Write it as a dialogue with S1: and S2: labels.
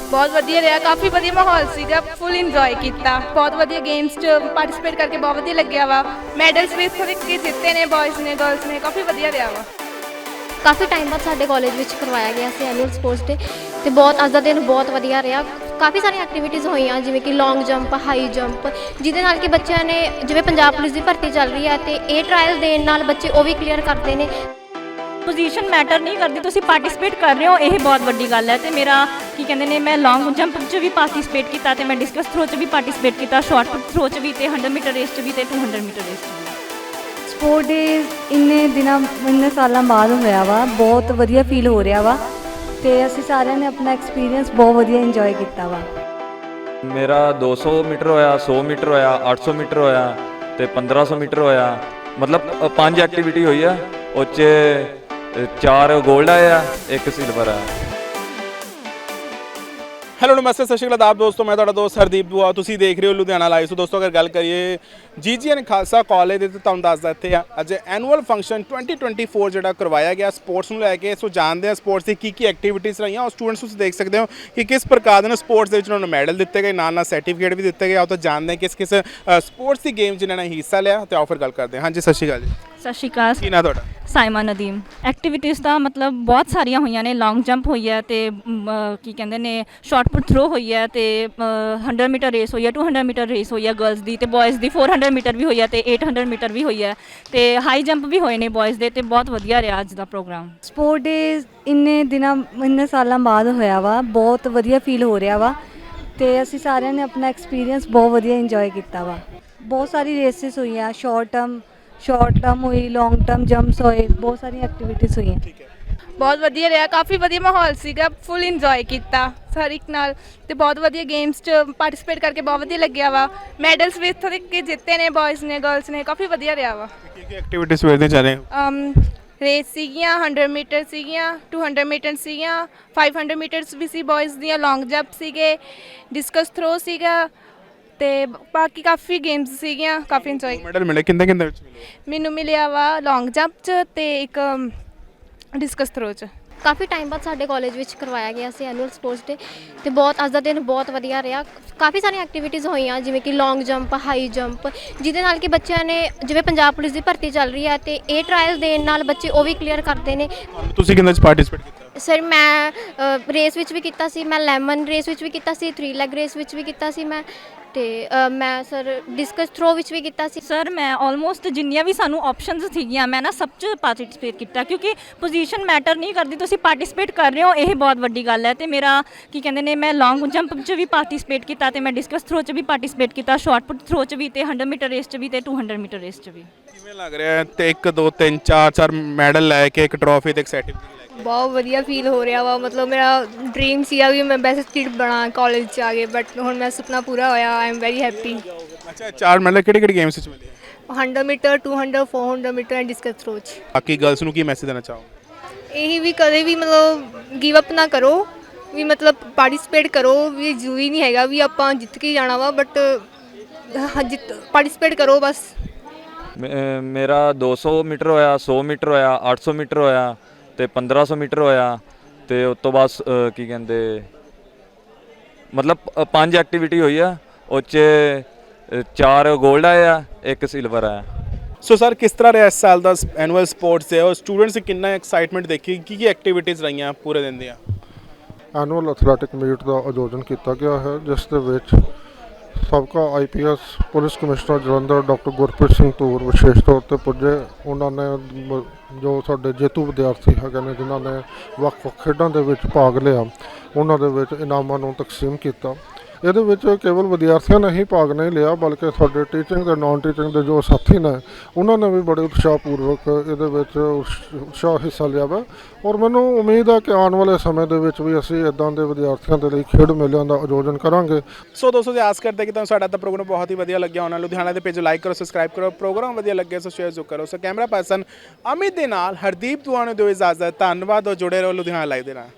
S1: ਬਹੁਤ ਵਧੀਆ ਰਿਹਾ, ਕਾਫੀ ਵਧੀਆ ਮਾਹੌਲ ਸੀਗਾ, ਫੁੱਲ ਇੰਜੋਏ ਕੀਤਾ। ਬਹੁਤ ਵਧੀਆ ਗੇਮਸ 'ਚ ਪਾਰਟਿਸਿਪੇਟ ਕਰਕੇ ਬਹੁਤ ਵਧੀਆ ਲੱਗਿਆ ਵਾ। ਮੈਡਲਸ ਵੀ ਇੱਥੋਂ ਤੱਕ ਕੇ ਜਿੱਤੇ ਨੇ, ਬॉयਜ਼ ਨੇ ਗਰਲਸ ਨੇ, ਕਾਫੀ ਵਧੀਆ ਰਿਹਾ ਵਾ।
S2: ਕਾਫੀ ਟਾਈਮ ਬਾਅਦ ਸਾਡੇ ਕਾਲਜ ਵਿੱਚ ਕਰਵਾਇਆ ਗਿਆ ਸੀ ਐਨੂਅਲ ਸਪੋਰਟਸ ਡੇ ਤੇ ਬਹੁਤ ਅੱਜ ਦਾ ਦਿਨ ਬਹੁਤ ਵਧੀਆ ਰਿਹਾ। ਕਾਫੀ ਸਾਰੀਆਂ ਐਕਟੀਵਿਟੀਜ਼ ਹੋਈਆਂ ਜਿਵੇਂ ਕਿ ਲੌਂਗ ਜੰਪ, ਹਾਈ ਜੰਪ, ਜਿਹਦੇ ਨਾਲ ਕਿ ਬੱਚਿਆਂ ਨੇ ਜਿਵੇਂ ਪੰਜਾਬ ਪੁਲਿਸ ਦੀ ਭਰਤੀ ਚੱਲ ਰਹੀ ਹੈ ਤੇ ਇਹ ਟਰਾਇਲ ਦੇਣ ਨਾਲ ਬੱਚੇ ਉਹ ਵੀ ਕਲੀਅਰ ਕਰਦੇ ਨੇ।
S3: ਪੋਜੀਸ਼ਨ ਮੈਟਰ ਨਹੀਂ ਕਰਦੀ, ਤੁਸੀਂ ਪਾਰਟਿਸਿਪੇਟ ਕਰ ਰਹੇ ਹੋ, ਇਹ ਬਹੁਤ ਵੱਡੀ ਗੱਲ ਹੈ। ਤੇ ਮੇਰਾ ਕੀ ਕਹਿੰਦੇ ਨੇ, ਮੈਂ ਲੌਂਗ ਜੰਪ 'ਚ ਵੀ ਪਾਰਟਿਸਿਪੇਟ ਕੀਤਾ ਤੇ ਮੈਂ ਡਿਸਕਸ ਥਰੋ 'ਚ ਵੀ ਪਾਰਟਿਸਿਪੇਟ ਕੀਤਾ, ਸ਼ਾਰਟ ਪੁੱਟ ਥਰੋ 'ਚ ਵੀ ਤੇ 100 ਮੀਟਰ ਰੇਸ 'ਚ ਵੀ ਤੇ 200 ਮੀਟਰ ਰੇਸ 'ਚ ਵੀ।
S4: ਸਪੋਰਟ ਡੇ ਇੰਨੇ ਸਾਲਾਂ ਬਾਅਦ ਹੋਇਆ ਵਾ, ਬਹੁਤ ਵਧੀਆ ਫੀਲ ਹੋ ਰਿਹਾ ਵਾ ਤੇ ਅਸੀਂ ਸਾਰਿਆਂ ਨੇ ਆਪਣਾ ਐਕਸਪੀਰੀਅੰਸ ਬਹੁਤ ਵਧੀਆ ਇੰਜੋਏ ਕੀਤਾ ਵਾ।
S5: ਮੇਰਾ 200 ਮੀਟਰ ਹੋਇਆ, 100 ਮੀਟਰ ਹੋਇਆ, 800 ਮੀਟਰ ਹੋਇਆ ਤੇ 1500 ਮੀਟਰ ਹੋਇਆ। ਮਤਲਬ 5 ਐਕਟੀਵਿਟੀ ਹੋਈ ਆ, ਉਹ 'ਚ 4 ਗੋਲਡ ਆਏ ਆ, 1 ਸਿਲਵਰ ਆ।
S6: ਹੈਲੋ ਨਮਸਤੇ, ਸਤਿ ਸ਼੍ਰੀ ਅਕਾਲ ਆਪ ਦੋਸਤੋ, ਮੈਂ ਤੁਹਾਡਾ ਦੋਸਤ ਹਰਦੀਪ ਦੁਆ, ਤੁਸੀਂ ਦੇਖ ਰਹੇ ਹੋ ਲੁਧਿਆਣਾ ਲਾਈਵ। ਸੋ ਦੋਸਤੋ ਅਗਰ ਗੱਲ ਕਰੀਏ GGN ਖਾਲਸਾ ਕਾਲਜ ਦੇ, ਤੁਹਾਨੂੰ ਦੱਸਦਾ ਇੱਥੇ ਆ ਅੱਜ ਐਨੂਅਲ ਫੰਕਸ਼ਨ 2024 ਜਿਹੜਾ ਕਰਵਾਇਆ ਗਿਆ ਸਪੋਰਟਸ ਨੂੰ ਲੈ ਕੇ। ਸੋ ਜਾਣਦੇ ਆ ਸਪੋਰਟਸ ਦੀ ਕੀ ਐਕਟੀਵਿਟੀਜ਼ ਰਹੀਆਂ ਔਰ ਸਟੂਡੈਂਟਸ ਤੁਸੀਂ ਦੇਖ ਸਕਦੇ ਹੋ ਕਿ ਕਿਸ ਪ੍ਰਕਾਰ ਦੇ ਨਾਲ ਸਪੋਰਟਸ ਦੇ ਵਿੱਚ ਉਹਨਾਂ ਨੂੰ ਮੈਡਲ ਦਿੱਤੇ ਗਏ, ਨਾਲ ਨਾਲ ਸਰਟੀਫਿਕੇਟ ਵੀ ਦਿੱਤੇ ਗਏ। ਆਓ ਤਾਂ ਜਾਣਦੇ ਹਾਂ ਕਿਸ ਸਪੋਰਟਸ ਦੀ ਗੇਮ ਜਿਨ੍ਹਾਂ ਨੇ ਹਿੱਸਾ ਲਿਆ ਤੇ ਆਓ ਫਿਰ ਗੱਲ ਕਰਦੇ ਹਾਂ। ਹਾਂਜੀ ਸਤਿ ਸ਼੍ਰੀ ਅਕਾਲ ਜੀ।
S3: ਸਤਿ ਸ਼੍ਰੀ ਅਕਾਲ।
S6: ਕੀ ਨਾਂ ਤੁਹਾਡਾ?
S3: ਸਾਇਮਾ ਨਦੀਮ। ਐਕਟੀਵਿਟੀਜ਼ ਤਾਂ ਮਤਲਬ ਬਹੁਤ ਸਾਰੀਆਂ ਹੋਈਆਂ ਨੇ, ਲੌਂਗ ਜੰਪ ਹੋਈ ਹੈ ਤੇ ਕੀ ਕਹਿੰਦੇ ਨੇ ਸ਼ਾਰਟ ਪੁੱਟ ਥਰੋ ਹੋਈ ਹੈ ਤੇ 100 ਮੀਟਰ ਰੇਸ ਹੋਈ ਹੈ, 200 ਮੀਟਰ ਰੇਸ ਹੋਈ ਹੈ ਗਰਲਸ ਦੀ, ਤੇ ਬॉयਜ਼ ਦੀ 400 ਮੀਟਰ ਵੀ ਹੋਈ ਹੈ ਤੇ 800 ਮੀਟਰ ਵੀ ਹੋਈ ਹੈ ਤੇ ਹਾਈ ਜੰਪ ਵੀ ਹੋਏ ਨੇ ਬॉयਜ਼ ਦੇ, ਤੇ ਬਹੁਤ ਵਧੀਆ ਰਿਹਾ ਅੱਜ ਦਾ ਪ੍ਰੋਗਰਾਮ।
S4: ਸਪੋਰਟ ਡੇ ਇੰਨੇ ਸਾਲਾਂ ਬਾਅਦ ਹੋਇਆ ਵਾ, ਬਹੁਤ ਵਧੀਆ ਫੀਲ ਹੋ ਰਿਹਾ ਵਾ ਤੇ ਅਸੀਂ ਸਾਰਿਆਂ ਨੇ ਆਪਣਾ ਐਕਸਪੀਰੀਅੰਸ ਬਹੁਤ ਵਧੀਆ ਇੰਜੋਏ ਕੀਤਾ ਵਾ। ਬਹੁਤ ਸਾਰੀ ਰੇਸਿਸ ਹੋਈਆਂ, ਸ਼ਾਰਟ ਟਰਮ ਹੋਈ, ਲੌਂਗ ਟਰਮ ਜੰਪਸ ਹੋਏ, ਬਹੁਤ ਸਾਰੀਆਂ ਐਕਟੀਵਿਟੀਜ਼ ਹੋਈਆਂ।
S1: ਬਹੁਤ ਵਧੀਆ ਰਿਹਾ, ਕਾਫੀ ਵਧੀਆ ਮਾਹੌਲ ਸੀਗਾ, ਫੁੱਲ ਇੰਜੋਏ ਕੀਤਾ ਹਰ ਇੱਕ ਨਾਲ ਤੇ ਬਹੁਤ ਵਧੀਆ ਗੇਮਸ 'ਚ ਪਾਰਟਿਸਿਪੇਟ ਕਰਕੇ ਬਹੁਤ ਵਧੀਆ ਲੱਗਿਆ ਵਾ। ਮੈਡਲਸ ਵੀ ਇੱਥੋਂ ਤੱਕ ਕੇ ਜਿੱਤੇ ਨੇ, ਬॉयਜ਼ ਨੇ ਗਰਲਸ ਨੇ, ਕਾਫੀ ਵਧੀਆ ਰਿਹਾ ਵਾ।
S6: ਕੀ ਐਕਟੀਵਿਟੀਜ਼ ਵੇਖਦੇ ਜਾ ਰਹੇ ਹੋ?
S1: ਰੇਸ ਸੀਗੀਆਂ, 100 ਮੀਟਰ ਸੀਗੀਆਂ, 200 ਮੀਟਰ ਸੀਗੀਆਂ, 500 ਮੀਟਰਸ ਵੀ ਸੀ ਬॉयਜ਼ ਦੀਆਂ, ਲੌਂਗ ਜੰਪ ਸੀਗੇ, ਡਿਸਕਸ ਥਰੋ ਸੀਗਾ ਤੇ ਬਾਕੀ ਕਾਫੀ ਗੇਮਸ ਸੀਗੀਆਂ, ਕਾਫੀ ਇੰਜੋਏ।
S6: ਮੈਡਲ ਮਿਲੇ ਕਿੰਨੇ ਵਿੱਚ ਮਿਲੇ?
S1: ਮੈਨੂੰ ਮਿਲਿਆ ਵਾ ਲੌਂਗ ਜੰਪ 'ਚ ਤੇ ਇੱਕ ਡਿਸਕਸ ਥਰੋ 'ਚ।
S2: ਕਾਫੀ ਟਾਈਮ ਬਾਅਦ ਸਾਡੇ ਕਾਲਜ ਵਿੱਚ ਕਰਵਾਇਆ ਗਿਆ ਸੀ ਐਨੂਅਲ ਸਪੋਰਟਸ ਡੇ ਤੇ ਬਹੁਤ ਅੱਜ ਦਾ ਦਿਨ ਬਹੁਤ ਵਧੀਆ ਰਿਹਾ। ਕਾਫੀ ਸਾਰੀਆਂ ਐਕਟੀਵਿਟੀਜ਼ ਹੋਈਆਂ ਜਿਵੇਂ ਕਿ ਲੌਂਗ ਜੰਪ, ਹਾਈ ਜੰਪ, ਜਿਹਦੇ ਨਾਲ ਕਿ ਬੱਚਿਆਂ ਨੇ ਜਿਵੇਂ ਪੰਜਾਬ ਪੁਲਿਸ ਦੀ ਭਰਤੀ ਚੱਲ ਰਹੀ ਹੈ ਤੇ ਇਹ ਟਰਾਇਲ ਦੇਣ ਨਾਲ ਬੱਚੇ ਉਹ ਵੀ ਕਲੀਅਰ ਕਰਦੇ ਨੇ।
S6: ਤੁਸੀਂ ਕਿੰਨੇ 'ਚ ਪਾਰਟਿਸਿਪੇਟ ਕੀਤਾ?
S2: ਸਰ ਮੈਂ ਰੇਸ ਵਿੱਚ ਵੀ ਕੀਤਾ ਸੀ, ਮੈਂ ਲੈਮਨ ਰੇਸ ਵਿੱਚ ਵੀ ਕੀਤਾ ਸੀ, 3 ਲੈਗ ਰੇਸ ਵਿੱਚ ਵੀ ਕੀਤਾ ਸੀ ਮੈਂ, ਤੇ ਮੈਂ ਸਰ ਡਿਸਕਸ ਥਰੋ ਵਿੱਚ ਵੀ ਕੀਤਾ ਸੀ।
S3: ਸਰ ਮੈਂ ਆਲਮੋਸਟ ਜਿੰਨੀਆਂ ਵੀ ਸਾਨੂੰ ਆਪਸ਼ਨਸ ਸੀਗੀਆਂ ਮੈਂ ਨਾ ਸਭ 'ਚ ਪਾਰਟਿਸਿਪੇਟ ਕੀਤਾ, ਕਿਉਂਕਿ ਪੋਜੀਸ਼ਨ ਮੈਟਰ ਨਹੀਂ ਕਰਦੀ, ਤੁਸੀਂ ਪਾਰਟਿਸਿਪੇਟ ਕਰ ਰਹੇ ਹੋ, ਇਹ ਬਹੁਤ ਵੱਡੀ ਗੱਲ ਹੈ। ਤੇ ਮੇਰਾ ਕੀ ਕਹਿੰਦੇ ਨੇ, ਮੈਂ ਲੌਂਗ ਜੰਪ 'ਚ ਵੀ ਪਾਰਟਿਸਿਪੇਟ ਕੀਤਾ ਤੇ ਮੈਂ ਡਿਸਕਸ ਥਰੋ 'ਚ ਵੀ ਪਾਰਟਿਸਿਪੇਟ ਕੀਤਾ, ਸ਼ਾਰਟ ਪੁੱਟ ਥਰੋ 'ਚ ਵੀ ਤੇ 100 ਮੀਟਰ ਰੇਸ 'ਚ ਵੀ ਤੇ 200 ਮੀਟਰ ਰੇਸ 'ਚ ਵੀ।
S6: ਕਿਵੇਂ ਲੱਗ ਰਿਹਾ ਤੇ 1 2 3 4 ਮੈਡਲ ਲੈ ਕੇ, ਇੱਕ ਟਰੋਫੀ ਤੇ ਇੱਕ ਸਰਟੀਫਿਕੇਟ?
S7: ਬਹੁਤ ਵਧੀਆ ਫੀਲ ਹੋ ਰਿਹਾ ਵਾ। ਮਤਲਬ ਮੇਰਾ ਡ੍ਰੀਮ ਸੀਗਾ ਵੀ ਮੈਂ ਬੈਸਟ ਸਟੂਡੈਂਟ ਬਣਾ ਕਾਲਜ 'ਚ ਆ ਕੇ, ਬਟ ਹੁਣ ਮੇਰਾ ਸੁਪਨਾ ਪੂਰਾ ਹੋਇਆ। I am very happy.
S6: ਅੱਛਾ 4 ਮੈਡਲ ਕਿਹੜੀ ਗੇਮਸ ਵਿੱਚ ਮਿਲੇ?
S7: 100 metre, 200, 400 metre and discus throw 'ਚ।
S6: ਬਾਕੀ ਗਰਲਸ ਨੂੰ ਕੀ ਮੈਸੇਜ ਦੇਣਾ ਚਾਹੋ?
S7: ਇਹੀ ਵੀ ਕਦੇ ਵੀ ਮਤਲਬ ਗਿਵ ਅਪ ਨਾ ਕਰੋ, ਵੀ ਮਤਲਬ ਪਾਰਟਿਸਿਪੇਟ ਕਰੋ, ਵੀ ਜ਼ਰੂਰੀ ਨਹੀਂ ਹੈਗਾ ਵੀ ਆਪਾਂ ਜਿੱਤ ਕੇ ਜਾਣਾ ਵਾ, ਬਟ ਪਾਰਟਿਸਿਪੇਟ ਕਰੋ ਬਸ।
S5: ਮੇਰਾ 200 ਮੀਟਰ ਹੋਇਆ, 100 ਮੀਟਰ ਹੋਇਆ, 800 ਮੀਟਰ ਹੋਇਆ ਤੇ 1500 ਮੀਟਰ ਹੋਇਆ ਤੇ ਉਸ ਤੋਂ ਬਾਅਦ ਕੀ ਕਹਿੰਦੇ ਮਤਲਬ 5 ਐਕਟੀਵਿਟੀ ਹੋਈ ਆ, ਉਹ 'ਚ 4 ਗੋਲਡ ਆਏ ਆ, 1 ਸਿਲਵਰ ਆਇਆ।
S6: ਸੋ ਸਰ ਕਿਸ ਤਰ੍ਹਾਂ ਰਿਹਾ ਇਸ ਸਾਲ ਦਾ ਐਨੂਅਲ ਸਪੋਰਟਸ ਹੈ ਔਰ ਸਟੂਡੈਂਟਸ ਕਿੰਨਾ ਐਕਸਾਈਟਮੈਂਟ ਦੇਖੀ, ਕੀ ਐਕਟੀਵਿਟੀਜ਼ ਰਹੀਆਂ ਪੂਰੇ ਦਿਨ ਦੀਆਂ?
S8: ਐਨੂਅਲ ਐਥਲੈਟਿਕ ਮੀਟ ਦਾ ਆਯੋਜਨ ਕੀਤਾ ਗਿਆ ਹੈ, ਜਿਸ ਦੇ ਵਿੱਚ ਸਾਬਕਾ IPS police commissioner Jalandhar doctor Gurpreet Singh Dhur ਵਿਸ਼ੇਸ਼ ਤੌਰ 'ਤੇ ਪੁੱਜੇ। ਉਹਨਾਂ ਨੇ ਜੋ ਸਾਡੇ ਜੇਤੂ ਵਿਦਿਆਰਥੀ ਹੈਗੇ ਨੇ ਜਿਨ੍ਹਾਂ ਨੇ ਵੱਖ-ਵੱਖ ਖੇਡਾਂ ਦੇ ਵਿੱਚ ਭਾਗ ਲਿਆ, ਉਹਨਾਂ ਦੇ ਵਿੱਚ ਇਨਾਮਾਂ ਨੂੰ ਤਕਸੀਮ ਕੀਤਾ। ਇਹਦੇ ਵਿੱਚ ਕੇਵਲ ਵਿਦਿਆਰਥੀਆਂ ਨੇ ਹੀ ਭਾਗ ਨਹੀਂ ਲਿਆ, ਬਲਕਿ ਸਾਡੇ ਟੀਚਿੰਗ ਤੇ ਨਾਨ ਟੀਚਿੰਗ ਦੇ ਜੋ ਸਾਥੀ ਨੇ ਉਹਨਾਂ ਨੇ ਵੀ ਬੜੇ ਉਤਸ਼ਾਹਪੂਰਵਕ ਇਹਦੇ ਵਿੱਚ ਉਤਸ਼ਾਹ ਹਿੱਸਾ ਲਿਆ ਵਾ। ਔਰ ਮੈਨੂੰ ਉਮੀਦ ਹੈ ਕਿ ਆਉਣ ਵਾਲੇ ਸਮੇਂ ਦੇ ਵਿੱਚ ਵੀ ਅਸੀਂ ਇੱਦਾਂ ਦੇ ਵਿਦਿਆਰਥੀਆਂ ਦੇ ਲਈ ਖੇਡ ਮੇਲਿਆਂ ਦਾ ਆਯੋਜਨ ਕਰਾਂਗੇ।
S6: ਸੋ ਦੋਸਤੋ ਜੀ ਆਸ ਕਰਦੇ ਕਿ ਤੁਹਾਨੂੰ ਸਾਡਾ ਤਾਂ ਪ੍ਰੋਗਰਾਮ ਬਹੁਤ ਹੀ ਵਧੀਆ ਲੱਗਿਆ ਹੋਣਾ। ਲੁਧਿਆਣਾ ਦੇ ਪੇਜ ਲਾਈਕ ਕਰੋ, ਸਬਸਕ੍ਰਾਈਬ ਕਰੋ, ਪ੍ਰੋਗਰਾਮ ਵਧੀਆ ਲੱਗਿਆ ਸੋ ਸ਼ੇਅਰ ਜ਼ਰੂਰ ਕਰੋ। ਸੋ ਕੈਮਰਾ ਪਰਸਨ ਅਮਿਤ ਦੇ ਨਾਲ ਹਰਦੀਪ ਦੁਆ ਨੂੰ ਦਿਓ ਇਜਾਜ਼ਤ। ਧੰਨਵਾਦ ਔਰ ਜੁੜੇ ਰਹੋ ਲੁਧਿਆਣਾ ਲਾਈਵ ਦੇ ਨਾਲ।